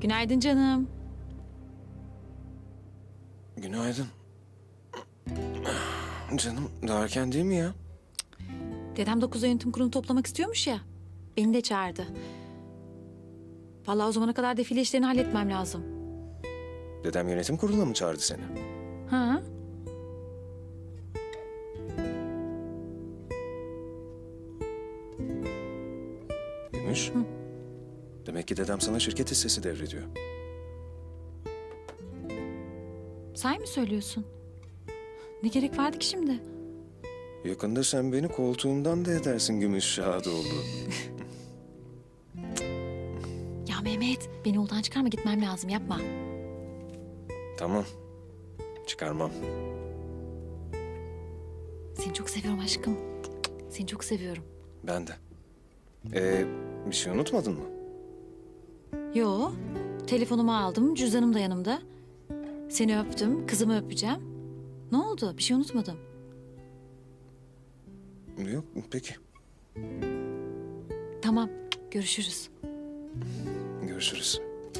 Günaydın canım. Günaydın. Canım daha erken değil mi ya? Dedem 9'da yönetim kurulu toplamak istiyormuş ya. Beni de çağırdı. Vallahi o zamana kadar defile işlerini halletmem lazım. Dedem yönetim kuruluna mı çağırdı seni? Ha? Gümüş. Demek ki dedem sana şirket hissesi devrediyor. Sahi mi söylüyorsun? Ne gerek vardı ki şimdi? Yakında sen beni koltuğumdan da edersin Gümüş Şahadoğlu. Ya Mehmet, beni yoldan çıkarma, gitmem lazım, yapma. Tamam. Çıkarmam. Seni çok seviyorum aşkım. Seni çok seviyorum. Ben de. Bir şey unutmadın mı? Yo, telefonumu aldım, cüzdanım da yanımda. Seni öptüm, kızımı öpeceğim. Ne oldu? Bir şey unutmadım. Yok, peki. Tamam, görüşürüz. Görüşürüz.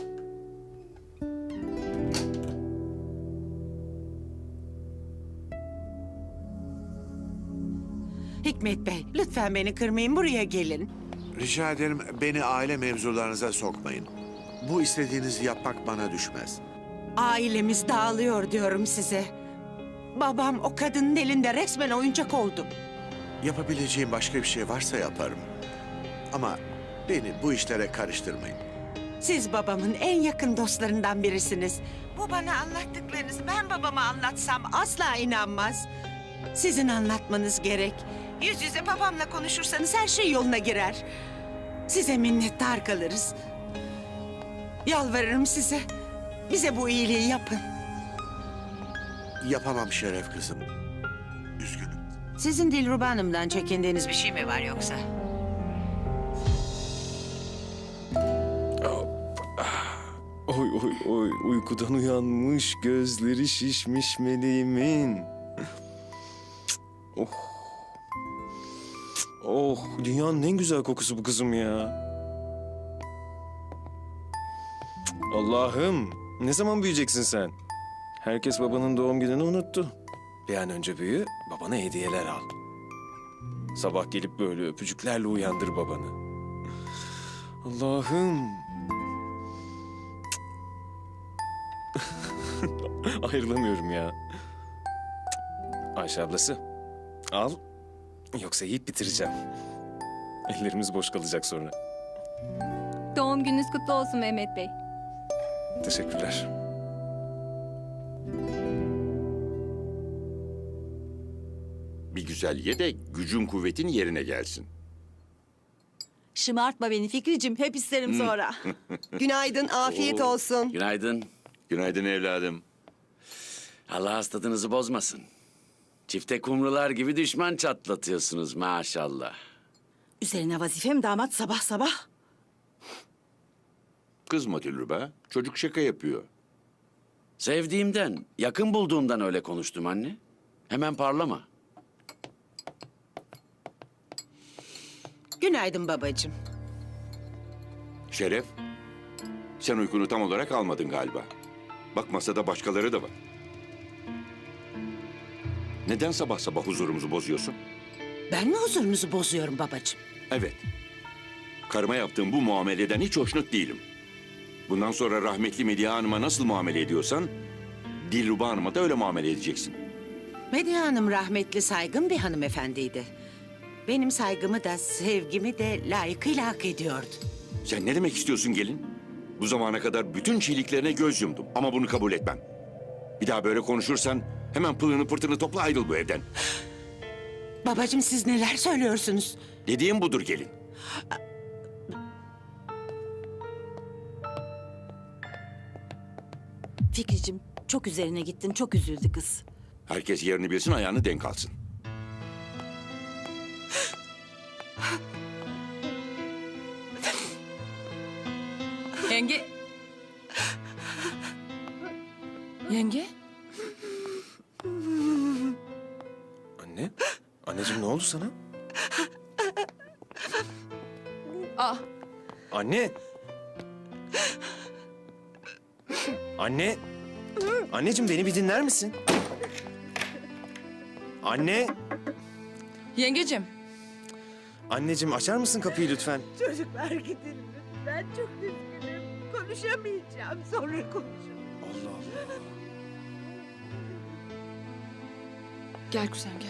Hikmet Bey, lütfen beni kırmayın, buraya gelin. Rica ederim beni aile mevzularınıza sokmayın. Bu istediğinizi yapmak bana düşmez. Ailemiz dağılıyor diyorum size. Babam o kadının elinde resmen oyuncak oldu. Yapabileceğim başka bir şey varsa yaparım. Ama beni bu işlere karıştırmayın. Siz babamın en yakın dostlarından birisiniz. Bu bana anlattıklarınız ben babama anlatsam asla inanmaz. Sizin anlatmanız gerek. Yüz yüze babamla konuşursanız her şey yoluna girer. Size minnettar kalırız. Yalvarırım size. Bize bu iyiliği yapın. Yapamam Şeref kızım. Üzgünüm. Sizin Dilruba Hanım'dan çekindiğiniz bir şey mi var yoksa? Oy oy oy, uykudan uyanmış, gözleri şişmiş meleğimin. Oh. Oh, dünyanın en güzel kokusu bu kızım ya. Allah'ım, ne zaman büyüyeceksin sen? Herkes babanın doğum gününü unuttu. Bir an önce büyü, babana hediyeler al. Sabah gelip böyle öpücüklerle uyandır babanı. Allah'ım. Ayrılamıyorum ya. Ayşe ablası, al. Yoksa yiyip bitireceğim. Ellerimiz boş kalacak sonra. Doğum gününüz kutlu olsun Mehmet Bey. Teşekkürler. Bir güzel ye de gücün kuvvetin yerine gelsin. Şımartma beni Fikricim, hep isterim sonra. Günaydın, afiyet olsun. Günaydın. Günaydın evladım. Allah hastalığınızı bozmasın. Çifte kumrular gibi düşman çatlatıyorsunuz maşallah. Üzerine vazifem damat sabah sabah. Kızma Dilruba. Çocuk şaka yapıyor. Sevdiğimden, yakın bulduğumdan öyle konuştum anne. Hemen parlama. Günaydın babacığım. Şeref, sen uykunu tam olarak almadın galiba. Bak masada başkaları da var. Neden sabah sabah huzurumuzu bozuyorsun? Ben mi huzurunuzu bozuyorum babacığım? Evet. Karıma yaptığım bu muameleden hiç hoşnut değilim. Bundan sonra rahmetli Medya Hanım'a nasıl muamele ediyorsan... Dilruba Hanım'a da öyle muamele edeceksin. Medya Hanım rahmetli saygın bir hanımefendiydi. Benim saygımı da sevgimi de layıkıyla hak ediyordu. Sen ne demek istiyorsun gelin? Bu zamana kadar bütün çiğliklerine göz yumdum ama bunu kabul etmem. Bir daha böyle konuşursan hemen pılını pırtını topla ayrıl bu evden. Babacığım siz neler söylüyorsunuz? Dediğim budur gelin. Fikricim, çok üzerine gittin, çok üzüldü kız. Herkes yerini bilsin ayağını denk alsın. Yenge. Yenge? Anne, anneciğim ne oldu sana? Ah, Anne! Anne. Anneciğim beni bir dinler misin? Anne. Yengecim. Anneciğim açar mısın kapıyı lütfen? Çocuklar gidin. Ben çok üzgünüm. Konuşamayacağım. Sonra konuşurum. Allah Allah. Gel kuzen gel.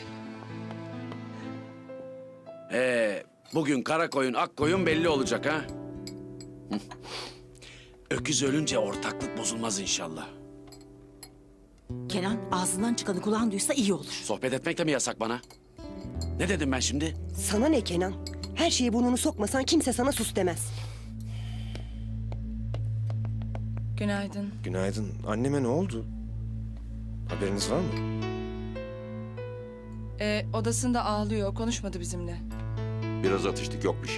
Bugün kara koyun ak koyun belli olacak ha. Hı. Öküz ölünce ortaklık bozulmaz inşallah. Kenan ağzından çıkanı kulağın duysa iyi olur. Sohbet etmek de mi yasak bana? Ne dedim ben şimdi? Sana ne Kenan? Her şeye burnunu sokmasan kimse sana sus demez. Günaydın. Günaydın. Anneme ne oldu? Haberiniz var mı? Odasında ağlıyor. Konuşmadı bizimle. Biraz atıştık, yok bir şey.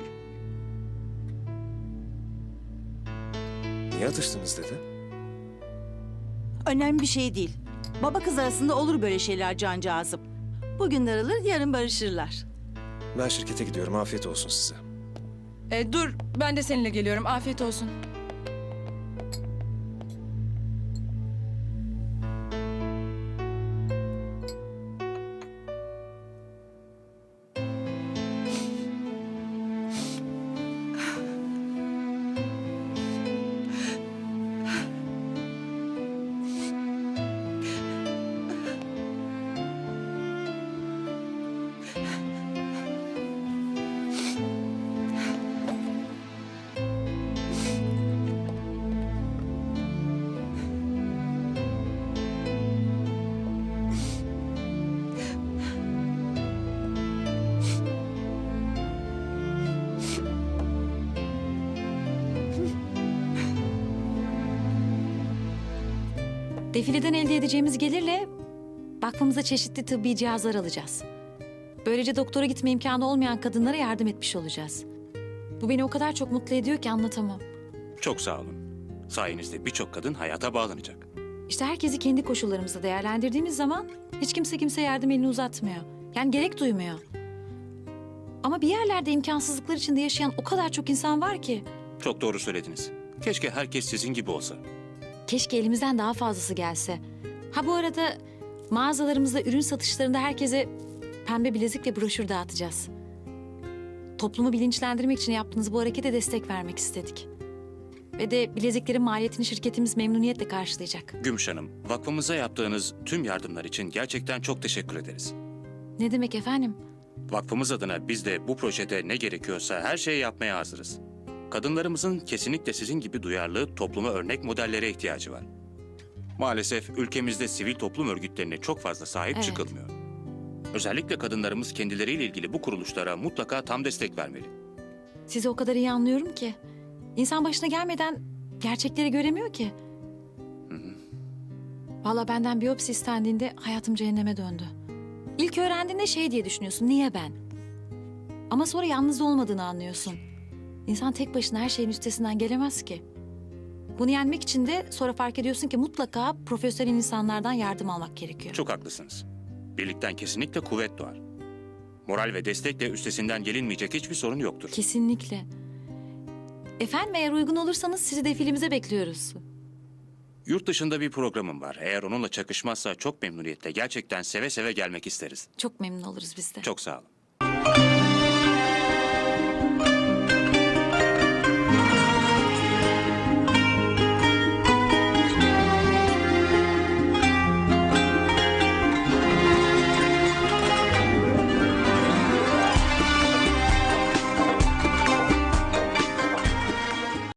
Niye atıştınız dedi? Önemli bir şey değil. Baba kız arasında olur böyle şeyler cancağızım. Bugün darılır, yarın barışırlar. Ben şirkete gidiyorum. Afiyet olsun size. Dur, ben de seninle geliyorum. Afiyet olsun. Defileden elde edeceğimiz gelirle vakfımıza çeşitli tıbbi cihazlar alacağız. Böylece doktora gitme imkanı olmayan kadınlara yardım etmiş olacağız. Bu beni o kadar çok mutlu ediyor ki anlatamam. Çok sağ olun. Sayenizde birçok kadın hayata bağlanacak. İşte herkesi kendi koşullarımızda değerlendirdiğimiz zaman hiç kimse kimseye yardım elini uzatmıyor. Yani gerek duymuyor. Ama bir yerlerde imkansızlıklar içinde yaşayan o kadar çok insan var ki. Çok doğru söylediniz. Keşke herkes sizin gibi olsa. Keşke elimizden daha fazlası gelse. Ha bu arada mağazalarımızda ürün satışlarında herkese pembe bilezik ve broşür dağıtacağız. Toplumu bilinçlendirmek için yaptığınız bu harekete destek vermek istedik. Ve de bileziklerin maliyetini şirketimiz memnuniyetle karşılayacak. Gümüş Hanım, vakfımıza yaptığınız tüm yardımlar için gerçekten çok teşekkür ederiz. Ne demek efendim? Vakfımız adına biz de bu projede ne gerekiyorsa her şeyi yapmaya hazırız. Kadınlarımızın kesinlikle sizin gibi duyarlı, topluma örnek modellere ihtiyacı var. Maalesef ülkemizde sivil toplum örgütlerine çok fazla sahip Evet. çıkılmıyor. Özellikle kadınlarımız kendileriyle ilgili bu kuruluşlara mutlaka tam destek vermeli. Sizi o kadar iyi anlıyorum ki. İnsan başına gelmeden gerçekleri göremiyor ki. Vallahi benden biyopsi istendiğinde hayatım cehenneme döndü. İlk öğrendiğinde şey diye düşünüyorsun, niye ben? Ama sonra yalnız olmadığını anlıyorsun. İnsan tek başına her şeyin üstesinden gelemez ki. Bunu yenmek için de sonra fark ediyorsun ki mutlaka profesyonel insanlardan yardım almak gerekiyor. Çok haklısınız. Birlikten kesinlikle kuvvet doğar. Moral ve destekle üstesinden gelinmeyecek hiçbir sorun yoktur. Kesinlikle. Efendim eğer uygun olursanız sizi defilimize bekliyoruz. Yurt dışında bir programım var. Eğer onunla çakışmazsa çok memnuniyetle, gerçekten seve seve gelmek isteriz. Çok memnun oluruz biz de. Çok sağ olun.